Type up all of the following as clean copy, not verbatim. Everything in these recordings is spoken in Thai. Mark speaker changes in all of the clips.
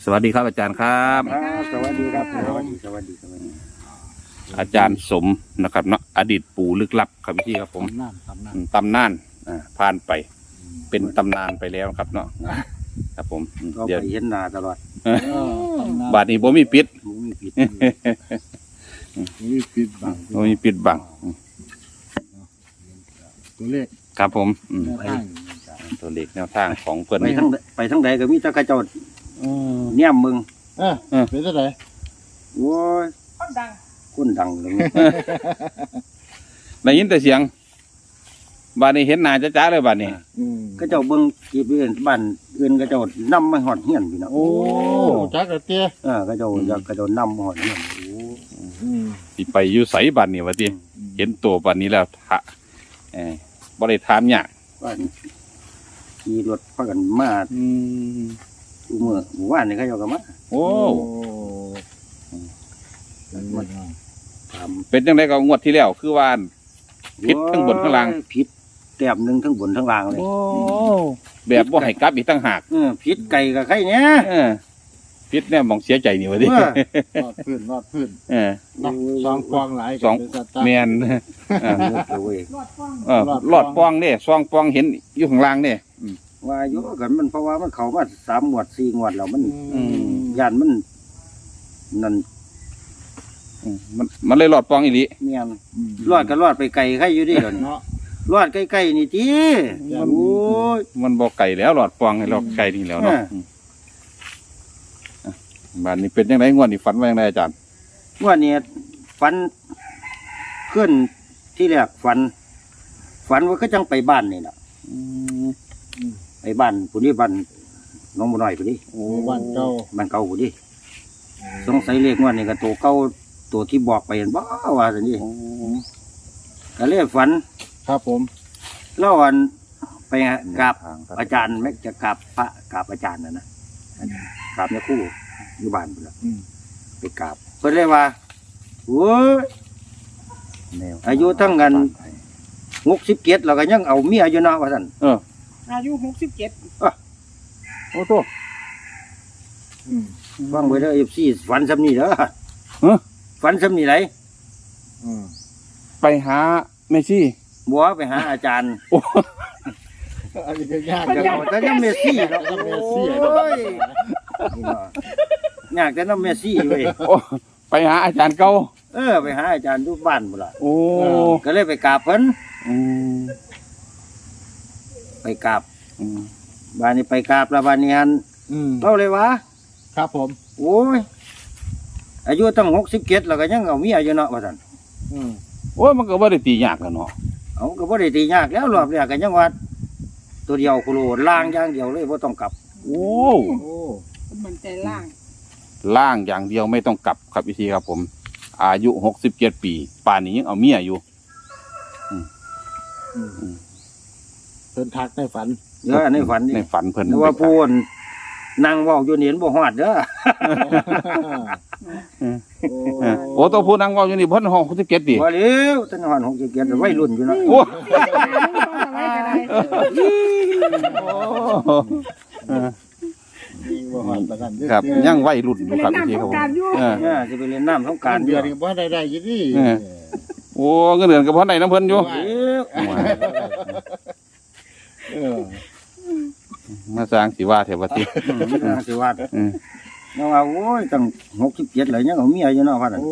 Speaker 1: วัสดีครับอาจารย์ครับ
Speaker 2: สวัสดีครับสวัสดี
Speaker 1: อาจารย์สมนะครับเนาะอดีตปู่ลึกลับครับพี่ครับผมตำนานผ่านไปเป็นตำนานไปแล้วครับเนาะครับผม
Speaker 2: ก็ไปเห็นหน้าตลอด
Speaker 1: บาทนี้ผมมีปิด
Speaker 2: มีผิด
Speaker 3: มีปิดบัง
Speaker 1: ผมมีปิดบัง
Speaker 3: ตัวเลข
Speaker 1: ครับผม
Speaker 3: แนวทาง
Speaker 1: ตัวเลขแนวทางของเพื่อน
Speaker 2: ไปทั้งใดก็มีแต่กระโจดเนี่ยมึง
Speaker 3: เป็นเท่าไหร่
Speaker 2: โว้ยคนดังเลย
Speaker 1: ได้ยินแต่เสียงบาทนี้เห็นหน้าจ้าๆเลยบาทนี้
Speaker 2: กระโจดเบิ้งกีบเอื่นบ้านอื่นกระโจดนำมาหอดเฮียนพี่น้อง
Speaker 3: โอ้จักรเตี้ย
Speaker 2: กระโจดนำมาหอดเฮียน
Speaker 1: สิไปอยู่ใสบาทนี้วะทีเห็นตัวบาทนี้แล้วทะบ่ได้ถามยาก
Speaker 2: บ้านขี่รถพากันมาดูเมื่อหมู่บ้านนี่เขาเจ้าก็มา
Speaker 1: โอ้
Speaker 2: ถาม
Speaker 1: เป็นจังไดก็งวดที่แล้วคือว่าผิดทั้งบนทั้งล่าง
Speaker 2: ผิดแต้มหนึ่งทั้งบนทั้งล่างเลย
Speaker 1: โอ้แบบบ่ให้กลับอีกตั้งหาก
Speaker 2: ผิดไก่กับไข่เนี้ย
Speaker 1: ผิดเนี่ยมองเสียใจนี่วะดิ
Speaker 3: รอดพื้นสองฟองหลาย
Speaker 1: สองแมนหลอดปองเนี่ยซองปองเห็นอยู่ข้างล่างเนี่ย
Speaker 2: ว่าอยู่กันมันเพราะว่ามันเข้ามา3 งวด 4 งวดแล้วมันย่านมันนั่น
Speaker 1: มันเลยหลอดปองอีหลี
Speaker 2: เมียนรอดก็รอดไปไกลไข่อยู่ดิเดี๋ยวนี้
Speaker 3: เนาะ
Speaker 2: รอดใกล้ๆนี่จีโอ้ย
Speaker 1: มันบ่ไก่แล้วหลอดปองให้หลอดไก่นี่แล้วเนาะบ้านนี้เป็นยังไงงวดนี้ฝันว่ายังไงอาจารย์
Speaker 2: งวดนี้ฝันขึ้นที่แรกฝันว่าก็จังไปบ้านนี่แหละไปบ้านผู้นี้บ้านน้องบุญน้อยผู้นี้
Speaker 3: โอ้บ้านเก่า
Speaker 2: บ้านเก่าผู้นี้สงสัยเลขงวดนี้ก็ตัวเก่าตัวที่บอกไปเห็นบ่ว่าสินี่ก็เลยฝัน
Speaker 3: ครับผม
Speaker 2: แล้ววันไปกราบอาจารย์แม็กจะกราบพระกราบอาจารย์นะกราบเนี่ยคู่อยู่บ้านไปแล้วไปกราบเพิ่นเลยว่าโอ้ยอายุทั้งกัน67แล้วก็ยังเอาเมียอยู่เนาะว่าซั่น
Speaker 4: อายุ67
Speaker 1: โอ้โต
Speaker 2: ฟังไว้เด้อ FC ฝันซำนี้เด้อฝันซำนี้ไหน
Speaker 1: ไปหาแม่ชี่
Speaker 2: บัวไปหาอาจารย์
Speaker 3: อันนี้ก็ยาก
Speaker 2: ก็เอาแต่น้ำเมสซี่เนาะ
Speaker 3: เมสซี่
Speaker 2: โอ้ยอยากแต่น้ำเมสซี่เว้ย
Speaker 1: โอ้ไปหาอาจารย์เก่า
Speaker 2: ไปหาอาจารย์ทุกบ้านหมดละ
Speaker 1: โอ้
Speaker 2: ก็เลยไปกราบเพิ่น
Speaker 1: อืม
Speaker 2: ไปกราบบ้านนี้ไปกราบแล้วบ้านนี้ฮันเล่าเลยวะ
Speaker 3: ครับผม
Speaker 2: โอ้ยอายุตั้ง67แล้วก็ยังเอาเมียอยู่เนาะว่าซั่น
Speaker 1: โอ้ยมันก็บ่ได้ตียากกันเนาะ
Speaker 2: เอาก็บ่ได้ตียากแล้วรอบแรกก็ยังว่าตัวเดียวโคโลล่างอย่างเดียวเลยบ่ต้องกลับ
Speaker 1: โอ้
Speaker 3: โอ้
Speaker 4: มันใจล่าง
Speaker 1: ล่างอย่างเดียวไม่ต้องกลับครับพี่ทีครับผม อายุ67 ปีป่านนี้ยังเอาเมียอยู่
Speaker 3: เพิ่นทักในฝัน
Speaker 2: ในฝันนี่
Speaker 1: ในฝันเพิ่น
Speaker 2: แต่ว่าพูนนั่งเว้าอยู่นี่เห็นบ่ฮอดเด้อ
Speaker 1: โอ้ตัวผู้นั่งเว่าอยู่นี่เพิ่น67ดิ
Speaker 2: บ่เร็วตั้งฮอด67วัยรุ่นอยู่เนาะ
Speaker 1: โอ้ ครับยังวัยรุ่นอยู่ครับพี่ทีครับผม
Speaker 2: สิไปเล่นน้ำสงกราร
Speaker 3: เดือนนี้บ่ได้อยู่นี่
Speaker 1: โอ้เงินเดือนกับพ่อไหนน้ำเพิ่นอยู่ มาสร้างสิว่าเถอะว่าติ
Speaker 2: สิว่าเนาะว่าโอ้ยตั้ง67แล้วยังเอาเมียอยู่เนาะว่านั่น
Speaker 3: โอ้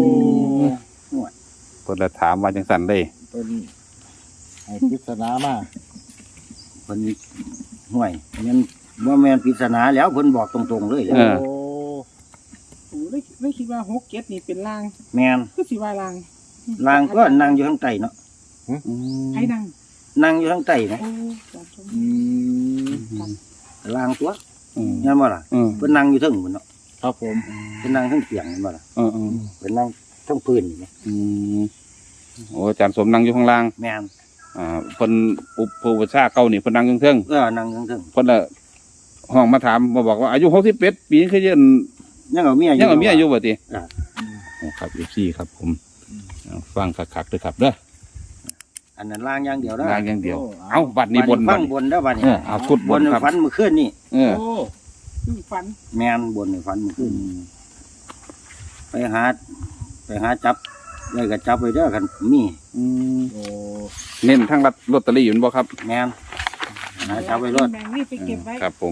Speaker 1: เพิ่นละถามว่าจังซั่นเด้
Speaker 3: เป็นให้ปริศนามา
Speaker 2: เพิ่นห่วยมันบ่แม่นปริศนาแล้วเพิ่นบอกตรงๆเลย
Speaker 3: โอ้
Speaker 4: โอ้ไม่คิดว่า67นี่เป็นล่าง
Speaker 2: แม่น
Speaker 4: ก็สิว่าล่าง
Speaker 2: นางก็นั่งอยู่ข้างใต้เนาะ
Speaker 4: ให้นั่ง
Speaker 2: นั่งอยู่ข้างใต้นะ
Speaker 4: โอ้จำชม
Speaker 2: ลางตัวงั้นบ่ล่ะเพิ่นนั่งอยู่เทิงพุ่นเนาะ
Speaker 3: ครับผม
Speaker 2: เพิ่นนั่งเทิงเตียงเห็นบ่ล่ะเพิ่นนั่งเทิงพื้นนี่นะ
Speaker 1: โอ้อาจารย์สมนั่งอยู่ข้างล่าง
Speaker 2: แม่น
Speaker 1: เพิ่นอุปชาเก่านี่เพิ่นนั่งเทิง
Speaker 2: นั่งเทิง
Speaker 1: เพิ่นละห้องมาถามมาบอกว่าอายุ61 ปีคือ
Speaker 2: ยังเอาเมียอยู่
Speaker 1: ยังเอาเมียอยู่บ่ติ
Speaker 2: อ่า
Speaker 1: ครับFC ครับผมฟังคักๆเด้อครับเด้อ
Speaker 2: อันนั้นล่างอย่างเดียวนะ
Speaker 1: ล่างอย่างเดียวเอ้าบัดนี้บน
Speaker 2: ฟังบนเด้อบัดนี้
Speaker 1: เอาชุด
Speaker 2: บบ น
Speaker 1: นครับ
Speaker 2: ฝันเมื่อคืนนี่
Speaker 3: โอ้
Speaker 4: ฝัน
Speaker 2: แม่นบนในฝันมันขึ้นไปหาจับได้ก็จับไปเด้อกันมี
Speaker 3: โอ้
Speaker 1: เน้นทั้งลอตเตอรี่อยู่บ่ครับ
Speaker 2: แม่นหาจับไปรถ
Speaker 4: แบ่งนี่ไปเก็บไว้
Speaker 1: ครับผม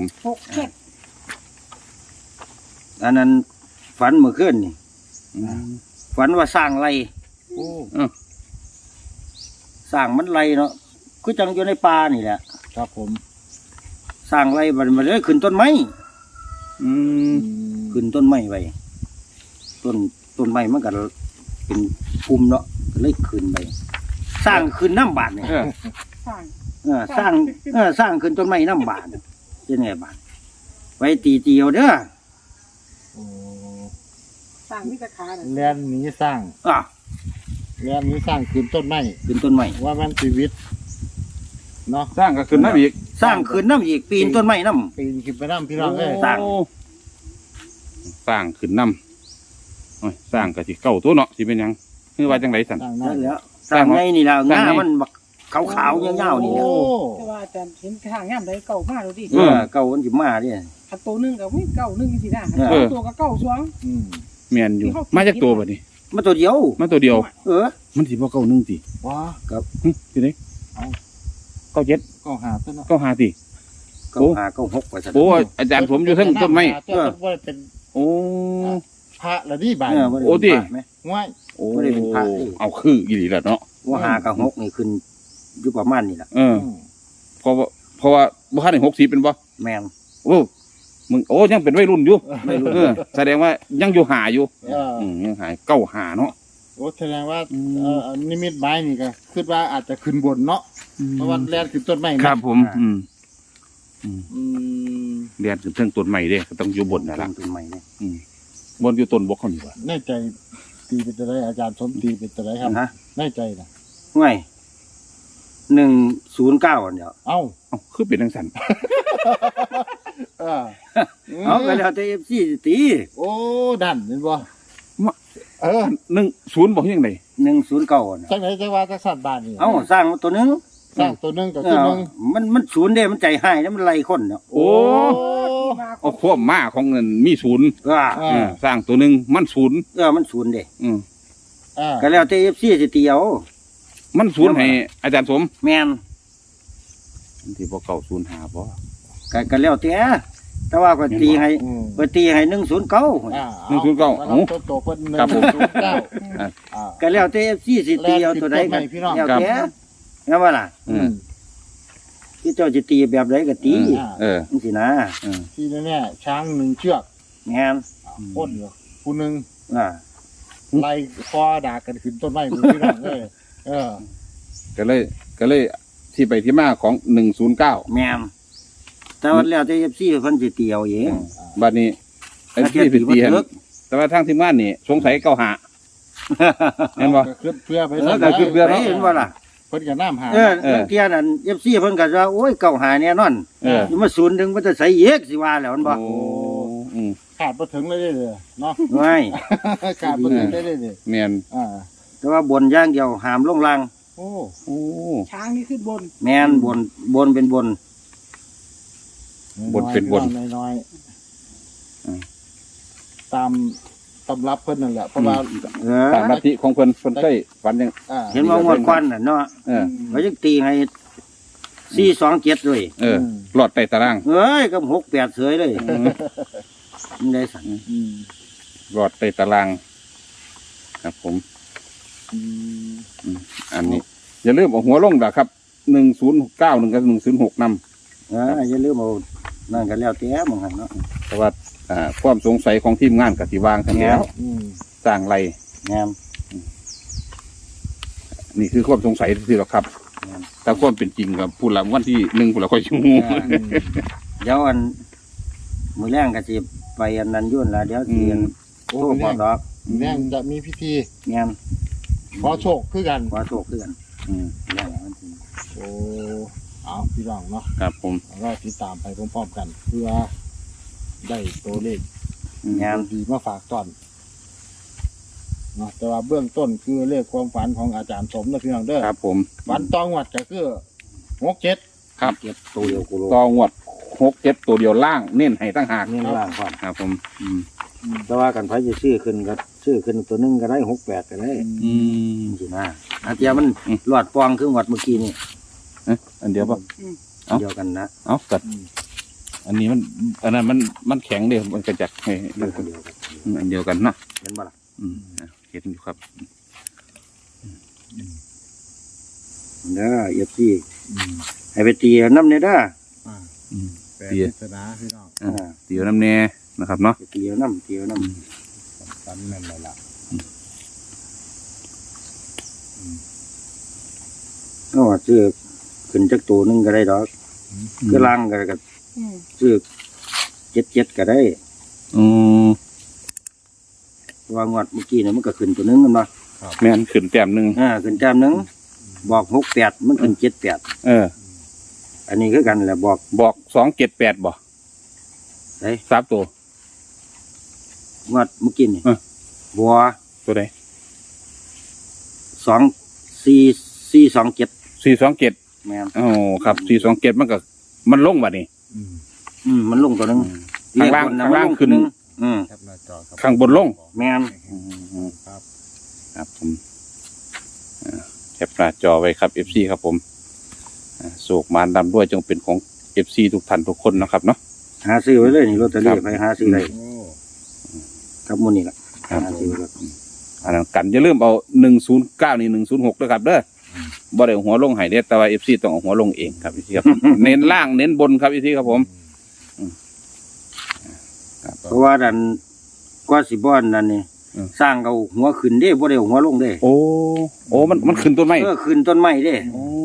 Speaker 4: 6 7
Speaker 2: อันนั้นฝันเมื่อคืนนี่
Speaker 1: อืม
Speaker 2: ฝันว่าสร้างไร
Speaker 3: โอ้
Speaker 2: สร้างมันไรเนาะคือจังอยู่ในป่านี่แหละ
Speaker 3: ครับผม
Speaker 2: สร้างไรมันเลยขึ้นต้นไม้
Speaker 1: อืม
Speaker 2: ขึ้นต้นไม้ไว้ต้นไม้มันก็เป็นภูมิเนาะก็เลยขึ้นไปสร้างขึ้นน้ำบาดเนี่ย
Speaker 4: สร้าง
Speaker 2: สร้างขึ้นต้นไม้น้ำบาดจะไงบาดไว้ตีเตียวเด้อ
Speaker 3: โอ้
Speaker 4: สร้างวิตาขาน่ะ
Speaker 3: แลนหนีสร้าง
Speaker 2: อ่ะ
Speaker 3: แลนหนีสร้างขึ้นต้นไม้
Speaker 2: ขึ้นต้นไม้
Speaker 3: ว่ามันชีวิตเนาะ
Speaker 1: สร้างก็ขึ้นน้ำอีก
Speaker 2: สร้างขึ้นน้ำอีกปีนต้นไม้น้
Speaker 3: ปีนขึ้นไปน้ำพี่น้องเอ้ย
Speaker 2: สร้าง
Speaker 1: โอ้สร้างขึ้นน้ำโอ้ยสร้างก็สิเก่าตัวเนาะสิเป็นหยังคือว่าจังไรสัน
Speaker 3: สร้าง
Speaker 2: ำ
Speaker 3: นั่
Speaker 2: นั่
Speaker 3: น
Speaker 2: นแหล้วสร้างไงนี่ล่ะ
Speaker 1: สร้าง
Speaker 2: งา
Speaker 1: ไง
Speaker 2: มันบักขาวๆยาวๆนี่แหละ
Speaker 3: โอ้
Speaker 4: แต่ว่าอาจารย์เห็นทางย่ำได้เก่ามากเลยดิ
Speaker 2: เก่ามันสิมาดิ
Speaker 4: ขันตัวหนึงกับเก่าหนึงสินะ
Speaker 2: เออ
Speaker 4: ตัวกับเก่าสวง
Speaker 3: อืม
Speaker 1: เมียนอยู่ มาจากตัวบัดนี้
Speaker 2: มาตัวเดียว
Speaker 1: มาตัวเดียว
Speaker 2: เออ
Speaker 1: มันสิบ่เก่าหนึงติ
Speaker 3: ว้า
Speaker 1: สิเด้
Speaker 3: เอา
Speaker 1: เก้าเจ็ด
Speaker 3: ก็หาต้นเนาะ
Speaker 1: เก้าห้าติ
Speaker 2: เก่า
Speaker 1: โอ้
Speaker 2: หาเก่าหกไปซะ
Speaker 1: โอ้อาจารย์ผมอยู่เทั้งต้นไม้
Speaker 3: เจ้าว่าเป็น
Speaker 1: โอ้
Speaker 3: พระละดีบาด
Speaker 2: บ่ได้
Speaker 1: โอ้ติ
Speaker 2: เป็นพระไหม
Speaker 3: ง่าย
Speaker 1: โอ้
Speaker 2: บ่ได้เป็นพระติ
Speaker 1: เอาคืออีหลีแหละเนาะ
Speaker 2: ว่าหากับหกนี่ขึ้นอยู่ประมาณนี่แหละ
Speaker 1: เออ เพราะว่าบ่ทันได้60เป็นบ่
Speaker 2: แม่น
Speaker 1: โอ้มึงโอ้ยังเป็นวัยรุ่นอยู่
Speaker 2: ไม่รู้
Speaker 1: เออแสดงว่ายังอยู่หาอยู่ ยังหายเก้าหาเนาะ
Speaker 3: โอ้แสดงว่า
Speaker 1: อืม
Speaker 3: นิมิตหมายนี่ก็คิดว่าอาจจะขึ้นบนเนาะเพราะว่าแลนขึ้นต้นไม้
Speaker 1: ครับผม อืม
Speaker 3: อืม
Speaker 1: เรียนถึงเทิงต้นใหม่เด้ก็ต้องอยู่บนนั่นล่ะ
Speaker 2: ต้นใหม่เนี่ย
Speaker 1: บนอยู่ต้นบกเขานี่ว่า
Speaker 3: แน่ใจตีเป็นตัวไรอาจารย์สมตีเป็นตัวไรครับ
Speaker 2: นะ
Speaker 3: แน่ใจนะ
Speaker 2: ง่าย109อันเดียว
Speaker 3: เอ้า
Speaker 1: เอ้าคือเป็นจังซั่น
Speaker 3: เออ
Speaker 2: เอาก็แล้วแต่ FC สิตี
Speaker 3: โอ้ดันเห็นบ่เออ
Speaker 1: 10บ่ยังได
Speaker 2: 109อันเดียว
Speaker 3: จังไหนจังว่าจังสั่นบานนี่
Speaker 2: เอาสร้างตัวหนึง
Speaker 3: สร้างตัวหนึงก็คือหนึง
Speaker 2: มันศูนย์เด้มันใจให้แล้วมันไล่คนเนาะ
Speaker 1: โอ้
Speaker 4: ที่มาขอ
Speaker 1: เอา
Speaker 4: ง
Speaker 1: ความมาของเงินมีศูนย์
Speaker 2: เออ
Speaker 1: สร้างตัวหนึงมันศูนย์
Speaker 2: มันศูนย์เด้
Speaker 1: อืม
Speaker 3: อ่า
Speaker 2: ก็แล้วแต่ FC สิตีเอา
Speaker 1: มันศูนย์ให้อาจารย์สม
Speaker 2: แม่น
Speaker 1: มันสิบ่เก่าศูนย์หาบ่
Speaker 2: ก็แล้วแต่ว่าก็ตีให้
Speaker 3: อืม
Speaker 2: ก็ตีให้109
Speaker 3: อ่า
Speaker 1: 109
Speaker 3: เอา
Speaker 1: เอ้า
Speaker 3: โตเพิ่น
Speaker 1: ครับผม
Speaker 3: 109อ่า
Speaker 2: ก็แล้วแต่ FC สิตีเอาตัวใดก็
Speaker 3: แล่นผิดตัวใหม่พี่น้อง
Speaker 2: แล้วแต่แล้วว่าล่ะ
Speaker 1: อืม
Speaker 2: ที่เจ้าจะตีแบบใดก็ตี
Speaker 3: อ่า
Speaker 1: เออ
Speaker 2: จังซี่นะ
Speaker 3: ที่แน่ๆช้างหนึ่งเชือก
Speaker 2: แม่น
Speaker 3: พ่นอยู่ผู้หนึง
Speaker 2: อ่า
Speaker 3: ไล่คอด่ากันขึ้นต้นไม้มือพี่น้องเลยเออ
Speaker 1: ก็เลยที่ไปที่มาของ109
Speaker 2: แม่นแต่ว่าแล้วแต่ FC เพิ่นสิตีเอาเอง
Speaker 1: บัดนี้ไอ้
Speaker 2: ถ้า
Speaker 1: ที่
Speaker 2: เทียบ
Speaker 1: เป็น
Speaker 2: ตี
Speaker 1: ตี
Speaker 2: บ่
Speaker 1: หั่น
Speaker 2: ถึก
Speaker 1: แต่ว่าทางทีมงานนี่สงสัยเก้าหา เห็นบ่
Speaker 3: ก็ขึ้นเพื่อไป
Speaker 1: ก็ขึ้นเพื่อ
Speaker 2: เห็นว่าล่ะ
Speaker 3: เพิ่นกับน้ำหา
Speaker 2: บางเที่ยนั่น FC เพิ่นก็ว่าโอ้ยเก่าหาแน่นอน
Speaker 1: เออ
Speaker 2: อยู่มาศูนย์ถึงมันจะใส่เอกสิว่าแล้วมันบ่
Speaker 1: โอ้อืม
Speaker 3: ขาดมาถึงเลยเด้อเนาะ
Speaker 2: ไม่
Speaker 3: ขาดมาถึงได้เลย
Speaker 1: แม่น
Speaker 3: อ่า
Speaker 2: แต่ว่าบนอย่างเดียวหามลงล่าง
Speaker 3: โอ้
Speaker 1: โอ้
Speaker 4: ช้างนี่ขึ้นบน
Speaker 2: แม่นบนเป็นบน
Speaker 3: น้อยตามตำรับเพิ่นนั่นแหละเพราะว่า
Speaker 1: ตามลัทธิของเพิ่นเคยฝันยัง
Speaker 2: เห็นว่างวดควันน่ะเนาะ
Speaker 1: เออ
Speaker 2: เขาจะตีให้427เลย
Speaker 1: เออหลอดใต้ตาราง
Speaker 2: เอ้ยกับ68เสยเลยมันได้สั่น
Speaker 3: อืม
Speaker 1: หลอดใต้ตาราง ครับผม
Speaker 3: อืม
Speaker 1: อันนี้ อย่าลืมเอาหัวลงนะครับ1091กับ106นำ
Speaker 2: อย่าลืมเอานั่นก็แล้วแต่มึงหั่นเนาะ
Speaker 1: แต่ว่าความสงสัยของทีมงานกับที่วางทั้งแล้ว
Speaker 3: อืม
Speaker 1: สร้างไร
Speaker 2: แม่น
Speaker 1: นี่คือความสงสัยที่เราครับ แต่ความเป็นจริงกับผู้หลังวันที่1ผู้หลังค่อยชู
Speaker 2: เดี๋ยวอันมื้อแรงก็สิไปอันนั้นยุ่นล่ะเดี๋ยวสิอัน
Speaker 3: โอ้
Speaker 2: โทร
Speaker 3: แ
Speaker 2: บอกดอก
Speaker 3: แม่งจะมีพิธี
Speaker 2: แม่น
Speaker 3: ขอโชคคือกัน
Speaker 2: ขอโชคคือกัน
Speaker 1: อืม
Speaker 2: แรงมันสิ
Speaker 3: โอ้เอาพี่น้องเนาะ
Speaker 1: ครับผม
Speaker 3: เราติดตามไปพร้อมๆกัน เพื่อได้ตัวเลข
Speaker 2: แม่น
Speaker 3: ดีมาฝากตอนเนาะแต่ว่าเบื้องต้นคือเลขความฝันของอาจารย์สมนะพี่น้องเด้อ
Speaker 1: ครับผม
Speaker 3: ฝันตองวัดก็คือ67
Speaker 1: ครับ
Speaker 2: เก็บตัวเดียวกูรู้
Speaker 1: ต่องวด 6-7ตัวเดียวล่างเน้นให้ตั้งหาก
Speaker 2: นี่ล่างก่อน
Speaker 1: ครับผม
Speaker 2: แต่ว่ากันไผจะซื้อขึ้นก็ซื้อขึ้นตัวหนึงก็ได้68ก็ได้
Speaker 1: อืม
Speaker 2: สินะอาเทียมันหลอดปองคือหวัดเมื่อกี้นี่
Speaker 1: อันเดียวป่ะ เอ้า
Speaker 2: เดียวกันนะ
Speaker 1: เอากัดอันนี้มันอันนั้นมันแข็งเดียวมันกระจัดให้
Speaker 2: เดียวกันเดียวกัน
Speaker 1: อันเดียวกันเนาะ
Speaker 2: เห็นบ่ล่ะ
Speaker 1: เห็นอยู่ครับ
Speaker 2: เด้อเอฟซีให้ไปตีเอาน้ำเนี่ยเด้อ
Speaker 3: แปล
Speaker 1: เตี้ย
Speaker 3: ศาสนาพี่น้อง
Speaker 1: เตียวน้ำแน่นะครับเนาะ
Speaker 2: ไปตีเอาน้ำตีเอาน้
Speaker 3: ฝันนั่นแหละล่ะ
Speaker 2: ำเอาว่าซื้อขึ้นจักตัวหนึงก็ได้ดอกคือล่างก็
Speaker 4: อืม
Speaker 2: ซื้อ77ก็ได้
Speaker 1: อืม
Speaker 2: เพราะว่างวดเมื่อกี้เนี่ยมันก็ขึ้นตัวหนึงกันมา
Speaker 1: แม่นขึ้นแต้มหนึ่ง
Speaker 2: ขึ้นแต้มหนึงบอก68มันขึ้น78
Speaker 1: เออ
Speaker 2: อันนี้คือกันแหละบอก
Speaker 1: บอก278บ่
Speaker 2: ไอ้
Speaker 1: 3ตัว
Speaker 2: งวดเมื่อกี้นี่ บัว
Speaker 1: ตัวใด
Speaker 2: 24427
Speaker 1: 427
Speaker 2: แม่น
Speaker 1: อ๋อครับ427มันก็มันลงบัดนี้
Speaker 2: มันลงตัวหนึง
Speaker 1: ข้างล่าง
Speaker 2: เลขบะ
Speaker 1: ข้างล่าง
Speaker 2: มัน
Speaker 1: ขึ้น
Speaker 2: ตัวหง
Speaker 3: แคปหน้าจอครับ
Speaker 1: ข้างบนลง
Speaker 2: แม่น
Speaker 3: ครับ
Speaker 1: ครับผมแคปหน้าจอไว้ครับ FC ครับผมโศกมารดำด้วยจงเป็นของ FC ทุกท่านทุกคนนะครับเนาะ
Speaker 2: หาซื้อไว้เลยนี่ลอตเตอ
Speaker 1: ครั
Speaker 2: รี่
Speaker 1: บ
Speaker 2: ไปหาซื้อได้
Speaker 3: โอ้
Speaker 2: ครับมื้อนี้ล่ะ
Speaker 1: ครับ
Speaker 2: หาซื้อไว้เลย
Speaker 1: อันนั้นกันอย่าลืมเอา109นี่106ด้วยครับเด้อบ่ได้เอาหัวลงให้เด้แต่ว่า FC ต้องเอาหัวลงเองครับ FC ครับ เน้นล่างเน้นบนครับ FC ครับผม
Speaker 2: เพราะว่าดันกว่าสิบ่อนนั่นนี่
Speaker 1: อืม
Speaker 2: สร้างเอาหัวขึ้นเด้บ่ได้เอาหัวลงเด้
Speaker 1: โอ้มันขึ้นต้นไม้
Speaker 2: ขึ้นต้นไม้เด้
Speaker 1: โอ้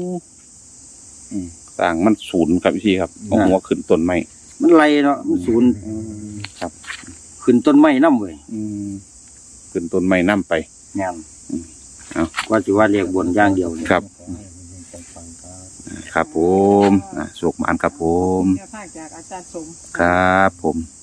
Speaker 1: ต่างมันศูนย์ครับพี่ครับเอาหัวขึ้นต้นไม้
Speaker 2: มันไหลเนาะมันศูนย์
Speaker 1: ครับ
Speaker 2: ขึ้นต้นไม้นำเว้ย
Speaker 1: ขึ้นต้นไม้น้ำไป
Speaker 2: แม่น
Speaker 1: เอา
Speaker 2: กว่าสิว่าเรียกบนอย่างเดียวนี่
Speaker 1: ครับ
Speaker 3: ขอให้มันฟังครับ
Speaker 1: ครับผมโศกหมานครับผม
Speaker 4: แนวทางจากอาจารย์สม
Speaker 1: ครับผม